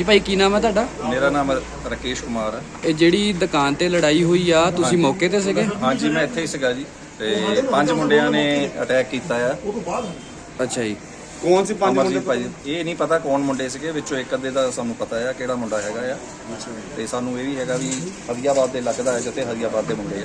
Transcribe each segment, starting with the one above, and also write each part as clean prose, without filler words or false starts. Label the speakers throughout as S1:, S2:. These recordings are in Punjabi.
S1: ਹਾਂਜੀ ਭਾਈ, ਕੀ ਨਾਮ ਹੈ ਤੁਹਾਡਾ?
S2: ਮੇਰਾ ਨਾਮ ਰਾਕੇਸ਼ ਕੁਮਾਰ ਹੈ।
S1: ਇਹ ਜਿਹੜੀ ਦੁਕਾਨ ਤੇ ਲੜਾਈ ਹੋਈ ਆ, ਤੁਸੀਂ ਮੌਕੇ ਤੇ ਸੀਗੇ?
S2: ਹਾਂਜੀ, ਮੈਂ ਇੱਥੇ ਹੀ ਸੀਗਾ ਜੀ। ਤੇ 5 ਮੁੰਡਿਆਂ ਨੇ ਅਟੈਕ ਕੀਤਾ ਆ।
S1: ਅੱਛਾ ਜੀ।
S3: ਕੌਣ ਸੀ 5 ਮੁੰਡੇ
S2: ਭਾਈ? ਇਹ ਨਹੀਂ ਪਤਾ ਕੌਣ ਮੁੰਡੇ ਸੀਗੇ, ਵਿੱਚੋਂ ਇੱਕ ਅੱਧੇ ਦਾ ਸਾਨੂੰ ਪਤਾ ਆ ਕਿਹੜਾ ਮੁੰਡਾ ਹੈਗਾ ਆ। ਤੇ ਸਾਨੂੰ ਇਹ ਵੀ ਹੈਗਾ ਵੀ ਹਰੀਆਬਾਦ ਦੇ ਲੱਗਦਾ ਹੈ, ਜਿੱਥੇ ਹਰੀਆਬਾਦ ਦੇ ਮੁੰਡੇ ਆ।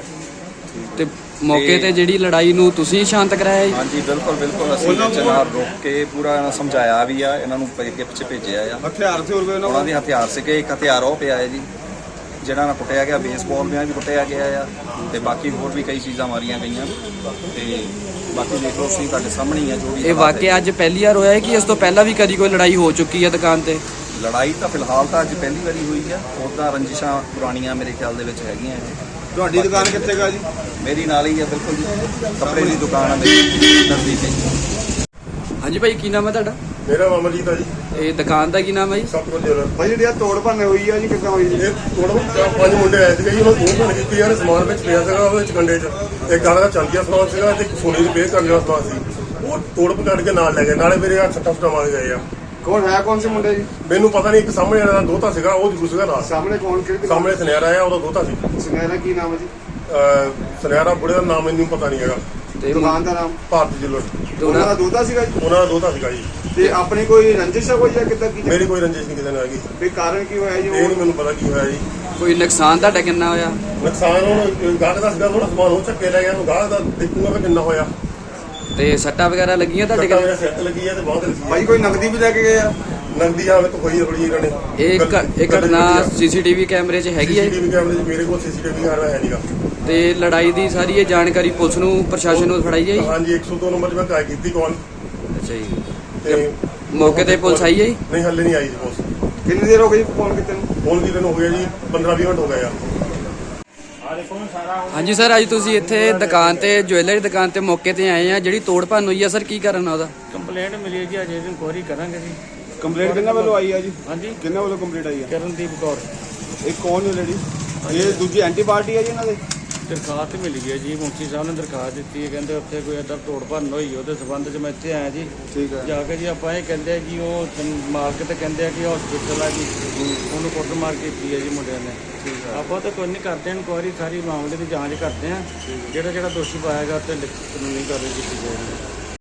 S1: ਤੇ ਮੌਕੇ ਤੇ ਜਿਹੜੀ ਲੜਾਈ ਨੂੰ ਤੁਸੀਂ ਸ਼ਾਂਤ ਕਰਾਇਆ ਜੀ?
S2: ਹਾਂਜੀ, ਬਿਲਕੁਲ ਅਸੀਂ ਵਿੱਚ ਨਾਲ ਰੋਕ ਕੇ ਪੂਰਾ ਸਮਝਾਇਆ ਵੀ ਆ, ਇਹਨਾਂ ਨੂੰ ਅੱਗੇ ਪਿੱਛੇ ਭੇਜਿਆ ਆ।
S3: ਹਥਿਆਰ ਸੀ ਹੋਰ
S2: ਉਹਨਾਂ ਦੇ ਹਥਿਆਰ ਸੀਗੇ। ਇੱਕ ਹਥਿਆਰ ਉਹ ਪਿਆ ਹੈ ਜੀ ਜਿਹੜਾ ਨਾਲ ਕੁੱਟਿਆ ਗਿਆ, ਬੇਸਬਾਲ ਨਾਲ ਵੀ ਕੁੱਟਿਆ ਗਿਆ ਆ। ਤੇ ਬਾਕੀ ਹੋਰ ਵੀ ਕਈ ਚੀਜ਼ਾਂ ਮਾਰੀਆਂ ਗਈਆਂ। ਤੇ ਬਾਕੀ ਦੇਖ ਲਓ, ਤੁਸੀਂ ਤੁਹਾਡੇ ਸਾਹਮਣੇ ਹੀ ਆ ਜੋ ਵੀ।
S1: ਇਹ ਵਾਕਿਆ ਅੱਜ ਪਹਿਲੀ ਵਾਰ ਹੋਇਆ ਹੈ ਕਿ ਇਸ ਤੋਂ ਪਹਿਲਾਂ ਵੀ ਕਦੀ ਕੋਈ ਲੜਾਈ ਹੋ ਚੁੱਕੀ ਹੈ ਦੁਕਾਨ ਤੇ?
S2: ਲੜਾਈ ਤਾਂ ਫਿਲਹਾਲ ਤਾਂ ਅੱਜ ਪਹਿਲੀ ਵਾਰੀ ਹੋਈ ਆ। ਉੱਦਾਂ ਰੰਜਿਸ਼ਾਂ ਪੁਰਾਣੀਆਂ ਮੇਰੇ ਖਿਆਲ ਦੇ ਵਿੱਚ ਹੈਗੀਆਂ।
S3: ਤੁਹਾਡੀ ਦੁਕਾਨ ਕਿੱਥੇ ਗਾ ਜੀ?
S2: ਮੇਰੀ ਨਾਲ ਹੀ ਆ, ਬਿਲਕੁਲ ਜੀ। ਕੱਪੜੇ ਦੀ ਦੁਕਾਨ ਆ ਮੇਰੀ ਨਜ਼ਦੀਕ ਹੀ।
S1: ਹਾਂਜੀ ਭਾਈ, ਕੀ ਨਾਮ ਹੈ ਤੁਹਾਡਾ?
S4: ਮੇਰਾ ਨਾਮ ਅਮਰਜੀਤ ਆ ਜੀ।
S1: ਇਹ ਦੁਕਾਨ ਦਾ ਕੀ ਨਾਮ ਹੈ ਜੀ?
S4: ਸਤਿਗੁਰੂ ਜੁਐਲਰ।
S3: ਭਾਈ ਜਿਹੜੀ ਆ ਤੋੜ ਭੰਨ ਹੋਈ ਆ ਜੀ, ਕਿੱਦਾਂ ਹੋਈ ਜੀ?
S4: ਇਹ ਥੋੜਾ 5 ਮੁੰਡੇ ਆਏ ਸੀਗੇ ਜੀ, ਉਹਨਾਂ ਨੂੰ ਭੰਨ ਕੀਤੀ ਯਾਰ। ਸਮਾਨ ਵਿੱਚ ਪਿਆ ਸੀਗਾ ਉਹਦੇ ਵਿੱਚ ਕੰਡੇ 'ਚ। ਇੱਕ ਗਾਲਾ ਦਾ ਚਾਂਦੀ ਦਾ ਸਮਾਨ ਸੀਗਾ ਤੇ ਇੱਕ ਸੋਨੇ ਦੀ ਪੇਅਰ ਕਰਨ ਵਾਲਾ ਸਮਾਨ ਸੀ। ਉਹ ਤੋੜ ਪਕੜ ਕੇ ਨਾਲ ਲੈ ਗਏ। ਨਾਲੇ ਮੇਰੇ ਆ ਸੱਟਾਂ ਸੁੱਟਾਂ ਮਾਰ ਗਏ ਆ।
S3: ਕੌਣ ਸੀ ਮੁੰਡੇ ਜੀ?
S4: ਮੈਨੂੰ ਪਤਾ ਨਹੀਂ। ਇੱਕ ਸਾਹਮਣੇ ਵਾਲਾ ਦੋਤਾ ਸੀਗਾ, ਉਹ ਜ਼ਰੂਰ ਸੀਗਾ ਨਾਲ।
S3: ਸਾਹਮਣੇ ਕੌਣ? ਕਿਹੜੀ
S4: ਸਾਹਮਣੇ ਸੁਨਿਆਰਾ ਆ, ਉਹਦਾ ਦੋਤਾ ਸੀ।
S3: ਸੁਨਿਆਰਾ ਕੀ ਨਾਮ ਹੈ ਜੀ?
S4: ਸੁਨਿਆਰਾ ਬੁੜੇ ਦਾ ਨਾਮ ਮੈਨੂੰ ਪਤਾ ਨਹੀਂ ਹੈਗਾ।
S1: ਤੇ
S3: ਦੁਕਾਨ ਦਾ ਨਾਮ?
S4: ਭਾਰਤੀ ਜੁਐਲਰ।
S3: ਉਹਨਾਂ ਦਾ ਦੋਤਾ ਸੀਗਾ ਜੀ?
S4: ਉਹਨਾਂ ਦਾ ਦੋਤਾ ਸੀਗਾ ਜੀ।
S3: ਤੇ ਆਪਣੀ ਕੋਈ ਰੰਜਿਸ਼ ਆ ਕੋਈ ਜਾਂ ਕਿੱਦਾਂ ਕੀ?
S4: ਮੇਰੀ ਕੋਈ ਰੰਜਿਸ਼ ਨਹੀਂ ਕਿਸੇ ਨਾਲ ਹੈਗੀ।
S3: ਵੀ ਕਾਰਨ ਕੀ ਹੋਇਆ ਜੀ?
S4: ਇਹ ਨਹੀਂ ਮੈਨੂੰ ਪਤਾ ਕੀ ਹੋਇਆ ਜੀ।
S1: ਕੋਈ ਨੁਕਸਾਨ ਤੁਹਾਡਾ ਕਿੰਨਾ ਹੋਇਆ?
S4: ਨੁਕਸਾਨ ਹੁਣ ਗਾਹਕ ਦਾ ਸੀਗਾ, ਥੋੜਾ ਸਮਾਨ ਉਹ ਚੱਕੇ ਲੈ ਗਿਆ। ਉਹਨੂੰ ਗਾਹਕ ਦਾ ਦੇਖੂਗਾ ਕਿ ਕਿੰਨਾ ਹੋਇਆ।
S1: ਤੇ ਸੱਟਾਂ ਵਗੈਰਾ ਲੱਗੀਆਂ ਤੁਹਾਡੇ?
S4: ਸੱਟਾਂ ਮੇਰੇ ਸਿਰ ਤੇ ਲੱਗੀ ਆ ਤੇ ਬਹੁਤ ਲੱਗੀ ਆ।
S3: ਭਾਈ ਕੋਈ ਨਕਦੀ ਵੀ ਲੈ ਕੇ ਗਏ ਆ?
S4: ਨਗਦੀ ਹਾਲਤ ਹੋਈ ਥੋੜੀ ਇਹਨਾਂ ਨੇ।
S1: ਇਹ ਘਟਨਾ ਸੀਸੀਟੀਵੀ ਕੈਮਰੇ 'ਚ ਹੈਗੀ ਹੈ?
S4: ਸੀਸੀਟੀਵੀ ਕੈਮਰੇ 'ਚ ਮੇਰੇ ਕੋਲ ਸੀਸੀਟੀਵੀ ਕੈਮਰਾ ਹੈ ਨਹੀਂਗਾ।
S1: ਤੇ ਲੜਾਈ ਦੀ ਸਾਰੀ ਇਹ ਜਾਣਕਾਰੀ ਪੁਲਿਸ ਨੂੰ, ਪ੍ਰਸ਼ਾਸਨ ਨੂੰ ਫੜਾਈ ਹੈ ਜੀ?
S4: ਹਾਂਜੀ, 102 ਨੰਬਰ 'ਤੇ ਮੈਂ ਕਾਲ ਕੀਤੀ ਕਾਲ।
S1: ਅੱਛਾ ਜੀ।
S4: ਤੇ
S1: ਮੌਕੇ ਤੇ ਪੁਲਿਸ ਆਈ ਹੈ ਜੀ?
S4: ਨਹੀਂ, ਹੱਲੇ ਨਹੀਂ ਆਈ ਜੀ ਪੁਲਿਸ।
S3: ਕਿੰਨੀ ਦੇਰ ਹੋ ਗਈ ਫੋਨ ਕੀਤੇ ਨੂੰ?
S4: ਫੋਨ ਕੀਤੇ ਨੂੰ ਹੋ ਗਿਆ ਜੀ 15-20 ਮਿੰਟ ਹੋ ਗਏ ਆ।
S1: ਹਾਂਜੀ ਸਰ, ਅੱਜ ਤੁਸੀਂ ਇੱਥੇ ਦੁਕਾਨ ਤੇ, ਜੁਐਲਰੀ ਦੁਕਾਨ ਤੇ ਮੌਕੇ ਤੇ ਆਏ ਆ। ਜਿਹੜੀ ਤੋੜ ਭੰਨ ਹੋਈ ਆ ਸਰ, ਕੀ ਕਾਰਨ ਆ ਉਹਦਾ?
S5: ਕੰਪਲੇਂਟ ਮਿਲੀ ਹੈ ਜੀ, ਅਜੇ ਇਨਕੁਆਇਰੀ ਕਰਾਂਗੇ ਜੀ।
S3: ਕੰਪਲੇਂਟ ਕਿੰਨਾ ਵੱਲੋਂ ਆਈ ਆ ਜੀ?
S5: ਹਾਂਜੀ,
S3: ਕਿੰਨਾ ਵੱਲੋਂ ਕੰਪਲੇਂਟ ਆਈ ਆ?
S5: ਕਰਨਦੀਪ ਕੌਰ।
S3: ਇਹ ਕੌਣ ਨੇ ਲੇਡੀ? ਇਹ ਦੂਜੀ ਐਂਟੀ ਪਾਰਟੀ ਆ ਜੀ ਇਹਨਾਂ ਦੇ?
S5: ਦਰਖਾਸਤ ਮਿਲੀ ਹੈ ਜੀ, ਮੁੰਸ਼ੀ ਸਾਹਿਬ ਨੇ ਦਰਖਾਸਤ ਦਿੱਤੀ ਹੈ। ਕਹਿੰਦੇ ਉੱਥੇ ਕੋਈ ਇੱਦਾਂ ਤੋੜ ਭੰਨ ਹੋਈ, ਉਹਦੇ ਸਬੰਧ 'ਚ ਮੈਂ ਇੱਥੇ ਆਇਆ ਜੀ।
S3: ਠੀਕ ਹੈ।
S5: ਜਾ ਕੇ ਜੀ ਆਪਾਂ ਇਹ ਕਹਿੰਦੇ ਆ ਕਿ ਉਹ ਮਾਲਕ ਤੇ ਕਹਿੰਦੇ ਆ ਕਿ ਹਸਪੀਟਲ ਆ ਜੀ, ਉਹਨੂੰ ਕੁੱਟਮਾਰ ਕੀਤੀ ਹੈ ਜੀ ਮੁੰਡਿਆਂ ਨੇ। ਆਪਾਂ ਤਾਂ ਕੋਈ ਨਹੀਂ ਕਰਦੇ, ਇਨਕੁਆਇਰੀ ਸਾਰੀ ਮਾਮਲੇ ਦੀ ਜਾਂਚ ਕਰਦੇ ਆ। ਜਿਹੜਾ ਦੋਸ਼ੀ ਪਾਇਆ ਗਿਆ ਤੇ ਕਾਨੂੰਨੀ ਕਾਰਵਾਈ ਕੀਤੀ ਜਾਏਗੀ।